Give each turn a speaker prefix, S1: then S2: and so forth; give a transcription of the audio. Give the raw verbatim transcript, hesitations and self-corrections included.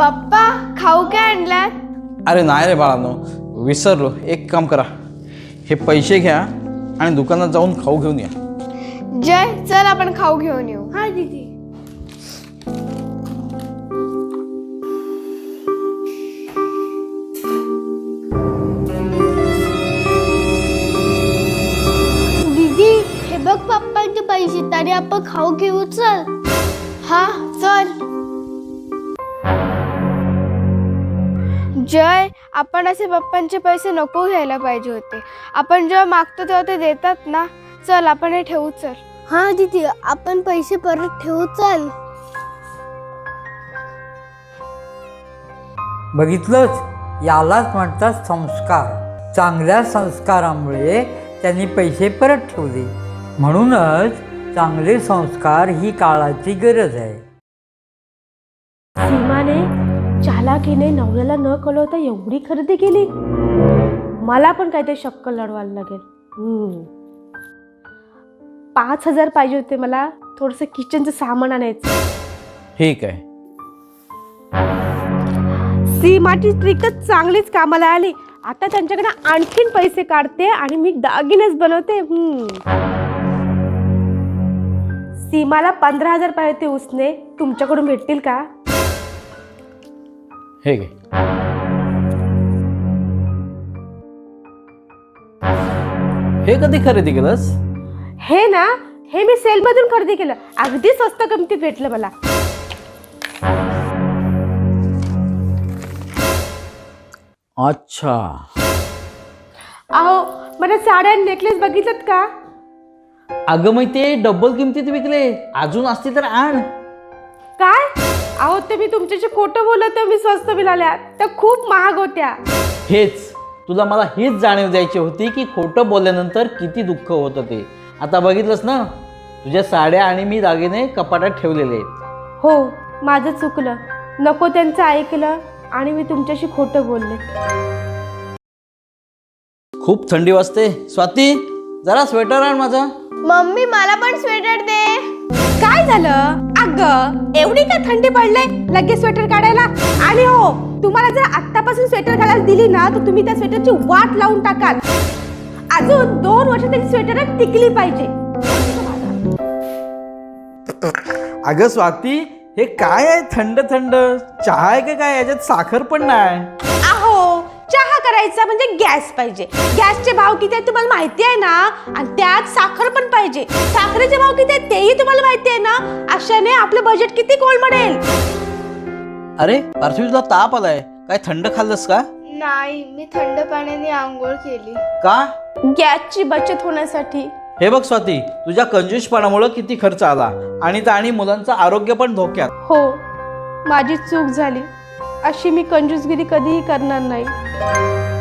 S1: पप्पा खाऊ काय आणलात?
S2: अरे नाही रे बाळांनो, विसरलो. एक काम करा, हे पैसे घ्या आणि दुकानात जाऊन खाऊ घेऊन या.
S1: जय चल आपण खाऊ घेऊन येऊ. हा दीदी. दीदी हे बघ पप्पांचे पैसे, तरी आपण खाऊ घेऊ. चल. हा चल. जय आपण असे पप्पांचे पैसे नको घ्यायला पाहिजे होते. आपण जेव्हा मागतो तेव्हा ते देतात ना. चल आपण हे ठेवू. चल. हा दीदी आपण पैसे परत ठेवू. चल.
S3: बघितलंच, यालाच म्हणतात संस्कार. चांगल्या संस्कारामुळे त्यांनी पैसे परत ठेवले. म्हणूनच चांगले संस्कार ही काळाची गरज आहे.
S4: सीमाने चालाकीने नवऱ्याला न कळवता एवढी खरेदी केली. मला पण काहीतरी शक्कल लढवायला लागेल. हम्म. पाच हजार पाहिजे होते मला, थोडंसं किचनचं सामान आणायचं.
S2: ठीक आहे.
S4: सीमाची ट्रिकच चांगलीच कामाला आली. आता त्यांच्याकडे आणखीन पैसे काढते आणि मी दागिनेच बनवते. हम्म. सीमाला पंधरा हजार पाहिजे होते उसने, तुमच्याकडून भेटतील का?
S2: हे घे. हे कधी खरेदी केलंस?
S4: हे ना, हे मी सेलमधून खरेदी केलं. अगदी स्वस्त किमतीत भेटलं मला.
S2: अच्छा.
S4: अहो मला साड्या नेकलेस बघितलं का?
S2: अगं मग ते डबल किमतीत विकले. अजून असते तर आण.
S4: काय? अहो ते मी तुमच्याशी खोटं बोलत, मी स्वस्त मिळाल्या, त्या खूप महाग होत्या.
S2: हेच तुला मला हीच जाणीव द्यायची होती की खोटं बोलल्यानंतर किती दुःख होतं ते. आता बघितलंस ना, तुझ्या साड्या आणि मी दागिने कपाटात ठेवलेले आहेत.
S4: हो माझं चुकलं. नको त्यांचं ऐकलं आणि मी तुमच्याशी खोटं बोलले.
S2: खूप थंडी वाजते. स्वाती जरा स्वेटर आण माझा.
S1: मम्मी मला पण स्वेटर दे.
S4: काय झालं? अगं एवढी काय थंडी पडले लगेच स्वेटर काढायला? आणि हो, तुम्हाला जर आत्तापासून स्वेटर घालायला दिली ना, तर तुम्ही त्या स्वेटरची वाट लावून टाकाल. अजून दोन वर्ष त्याची स्वेटर टिकली पाहिजे.
S2: अगं स्वाती, हे काय आहे थंड थंड? चहा आहे का काय? याच्यात साखर पण नाही.
S4: अहो चहा करायचा म्हणजे गॅस पाहिजे. गॅसचे भाव किती आहेत तुम्हाला माहिती आहे ना, आणि त्यात साखर पण पाहिजे. साखरेचे भाव किती आहेत तेही तुम्हाला माहिती आहे ना. अशाने आपलं बजेट किती कोलमडेल.
S2: अरे पार्थिव, तुला ताप आलाय काय? थंड खाल्लंस का?
S1: नाही, मी थंड पाण्याने आंघोळ केली.
S2: का?
S4: गॅसची बचत होण्यासाठी.
S2: हे बघ स्वाती, तुझ्या कंजूसपणामुळे किती खर्च आला आणि आणि मुलांचं आरोग्य पण धोक्यात.
S4: हो माझी चूक झाली. अशी मी कंजूसगिरी कधीही करणार नाही.